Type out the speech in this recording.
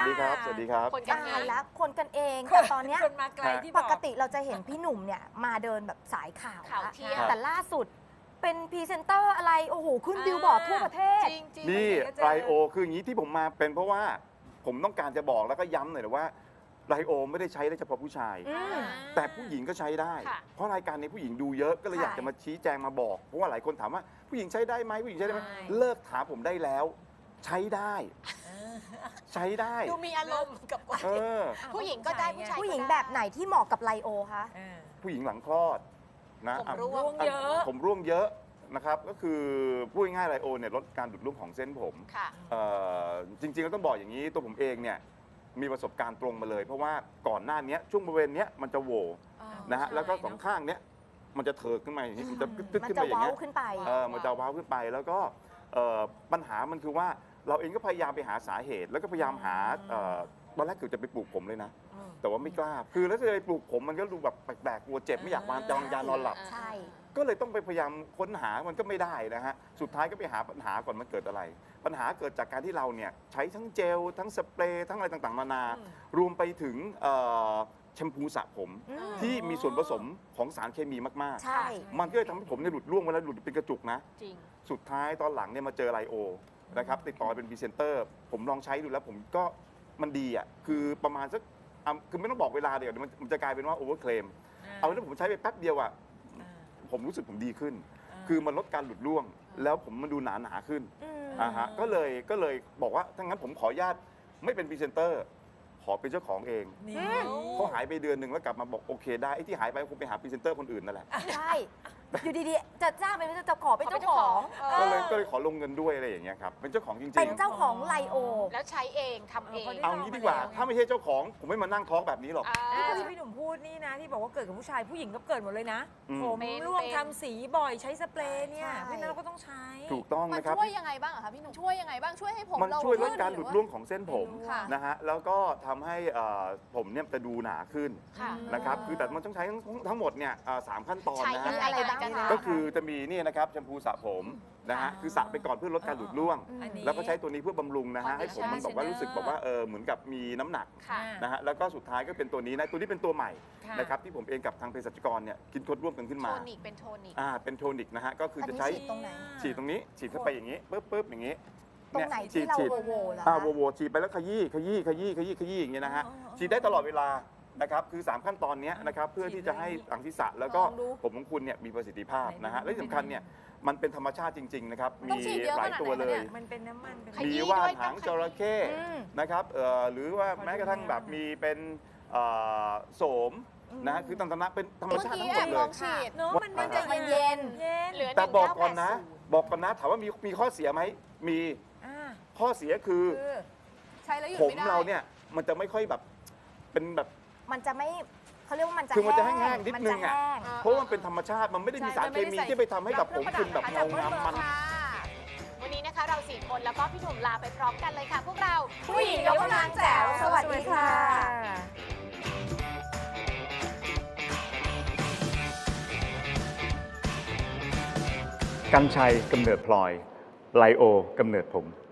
ดีครับ สวัสดีครับคนกันตาเอย งแล้วคนกันเองแต่ตอนเนี้ยคนมาไกลที่บปอกกติเราจะเห็นพี่หนุ่มเนี่ยมาเดินแบบสายข่าวข่าวละเที่ยงแต่ล่าสุดเป็นพรีเซนเตอร์อะไร โอ้โห ขึ้นบิลบอร์ดทั่วประเทศจริงจริงนี่ไปไหนก็เจอไรโอคืออย่างนี้ที่ผมมาเป็นเพราะว่าผมต้องการจะบอกแล้วก็ย้ำหน่อยนะว่าไรโอไม่ได้ใช้ได้เฉพาะผู้ชายอืมแต่ผู้หญิงก็ใช้ได้ค่ะเพราะรายการนี้ผู้หญิงดูเยอะก็เลยค่ะอยากจะมาชี้แจงมาบอก เพราะว่าหลายคนถามว่าผู้หญิงใช้ได้ไหมผู้หญิงใช้ได้ไหมใช่เลิกถามผมได้แล้ว ใช้ได้ ใช้ได้ดูมีอารมณ์กับคนเออผู้หญิงก็ได้ผู้ชายผู้หญิงแบบไหนที่เหมาะกับไลโอคะผู้หญิงหลังคลอดนะผมอ่ะร่วร่วงงเยอะผมร่วงเยอะนะครับก็คือพูดง่ายๆไรโอเนี่ยลดการดูดร่วงของเส้นผมค่ะจริงๆก็ต้องบอกอย่างนี้ตัวผมเองเนี่ยมีประสบการณ์ตรงมาเลย เพราะว่าก่อนหน้านี้ช่วงบริเวณเนี้ยมันจะโหวนะฮะใช่แล้วก็เนอะสองข้างเนี้ยมันจะเถิกขึ้นมาอย่างนี้มันจะตึ๊ดมันขึ้นจะไปอย่างเว้าเงี้ยขึ้นไปมันจะว้าวขึ้นไปแล้วก็ปัญหามันคือว่าเราเองก็พยายามไปหาสาเหตุ แล้วก็พยายามหาตอนแรกเกือบจะไปปลูกผมเลยนะ แต่ว่าไม่กล้าคือแล้วจะไปปลูกผมมันก็ดูแบบแปลกๆกลัวเจ็บไม่อยากวางยานอนหลับใช่ก็เลยต้องไปพยายามค้นหามันก็ไม่ได้นะฮะ สุดท้ายก็ไปหาปัญหาก่อนมันเกิดอะไร ปัญหาเกิดจากการที่เราเนี่ยใช้ทั้งเจล ทั้งสเปรย์ ทั้งอะไรต่างๆนานา รวมไปถึงแชมพูสระผมอืมที่มีส่วนผสมของสารเคมีมากใช่ๆ มันก็เลยทำให้ผมเนี่ยหลุดร่วงเวลาหลุดเป็นกระจุกนะจริงสุดท้ายตอนหลังเนี่ยมาเจอไลโอนะครับติดต่อเป็นพรีเซนเตอร์ ผมลองใช้ดูแล้วผมก็มันดีอ่ะ คือประมาณสักคือไม่ต้องบอกเวลาเดี๋ยวมันจะกลายเป็นว่าโอเวอร์เคลม เอาแล้วผมใช้ไปแป๊บเดียวอ่ะ ผมรู้สึกผมดีขึ้น คือมันลดการหลุดร่วง แล้วผมมันดูหนาขึ้นอืมฮะก็เลยบอกว่าถ้างั้นผมขออนุญาตไม่เป็นพรีเซนเตอร์ ขอเป็นเจ้าของเองนี่เขาหายไปเดือนหนึ่งแล้วกลับมาบอกโอเคได้ไอ้ที่หายไปคงไปหาพรีเซนเตอร์คนอื่นนั่นแหละใช่ อยู่ดีๆ จะจ้างเป็นจะขอเป็นเจ้าของก็เลยขอลงเงินด้วยอะไรอย่างเงี้ยครับ เป็นเจ้าของจริงเป็นเจ้าของไลโอแล้วใช้เองทำเองๆ เอางี้ดีกว่า ถ้าไม่ใช่เจ้าของผมไม่มานั่งท้องแบบนี้หรอกนี่ก็ที่พี่หนุ่มพูดนี่นะ ที่บอกว่าเกิดกับผู้ชายผู้หญิงก็เกิดหมดเลยนะอืมผมเป็นร่วงเป็นทำสีบ่อยใช้สเปรย์เนี่ยใช่เพราะฉะนั้นเราก็ต้องใช้ถูกต้องมันนะครับช่วยยังไงบ้างอะคะพี่หนุ่มช่วยยังไงบ้างช่วยให้ผมมันเราช่วยลดขึ้นการหลุดร่วงของเส้นผมค่ะนะฮะ แล้วก็ทำให้ผมเนี่ยจะดูหนาขึ้นค่ะนะครับ คือแต่มันต้องใช้ทั้งหมดเนี่ย3 ขั้นตอนใช้นะยัฮะงไงอะไรบ้างกันคะก็คือจะมีนี่นะครับแชมพูสระผมนะฮะ คือสระไปก่อนเพื่อลดการหลุดร่วงอันนี้แล้วก็ใช้ตัวนี้เพื่อบำรุงนะฮะ ให้ผมมันบอกว่า Conditioner รู้สึกแบบว่าเหมือนกับมีน้ำหนักค่ะนะฮะ แล้วก็สุดท้ายก็เป็นตัวนี้นะ ตัวนี้เป็นตัวใหม่ค่ะนะครับที่ผมเองกับทางเภสัชกรเนี่ยคิดค้นร่วมกันขึ้นโทมานิกเป็นโทนิกเป็นโทนิกนะฮะ ก็คืออันจะนี้ใช้ฉีดตรงไหนฉีดตรงนี้ ฉีดเข้าไปอย่างนี้ปึ๊บอย่างนี้ตรงไหนที่เราฉีดโวเหรอโวคะโวฉีดไปแล้วขยี้อย่างเงี้ยนะฮะ ฉีดได้ตลอดเวลานะครับ คือ 3 ขั้นตอนเนี้ยนะครับ เพื่อที่จะให้หลังศีรษะแล้วก็ลองดูผมของคุณเนี่ยมีประสิทธิภาพนะฮะไหนดูและที่สำคัญเนี่ยมันเป็นธรรมชาติจริง ๆ นะครับต้องมีฉีดเยอะหลายขนาดตัวไหนเลคะเนี่ย ยมันเป็นน้ำมันเป็นขยี้มีว่านด้วยหางต้องจระเข้อืมนะครับหรือว่าแม้กระทั่งแบบมีเป็นโสมนะฮะคือต่างๆเป็นธรรมเมื่อชาติกี้ทั้งหมแอดบเลลอย งฉีดเนาะมันมันจะเย็นเย็นเหลือแต่บอกก่อนนะ 1980 บอกก่อนนะถามว่ามีข้อเสียไหมมีอ่าข้อเสียคือคือใช้แล้วหยุดผมไม่ได้เราเนี่ยมันจะไม่ค่อยแบบเป็นแบบมันจะไม่เขาเรียกว่ามันจะคือมันจะแห้งๆนิดนึงอะมัจแห้งเพราะว่ามันเป็นธรรมชาติมันไม่ได้มีสารเคมีที่ไปทำให้แบบผมคุณแบบเงางามมันค่ะ วันนี้นะคะเรา4 คนแล้วก็พี่หนุ่มลาไปพร้อมกันเลยค่ะ พวกเราผู้หญิงยกกำลังแจ๋วสวัสดีค่ะกัญชัยกำเนิดพลอยไลโอกำเนิดผม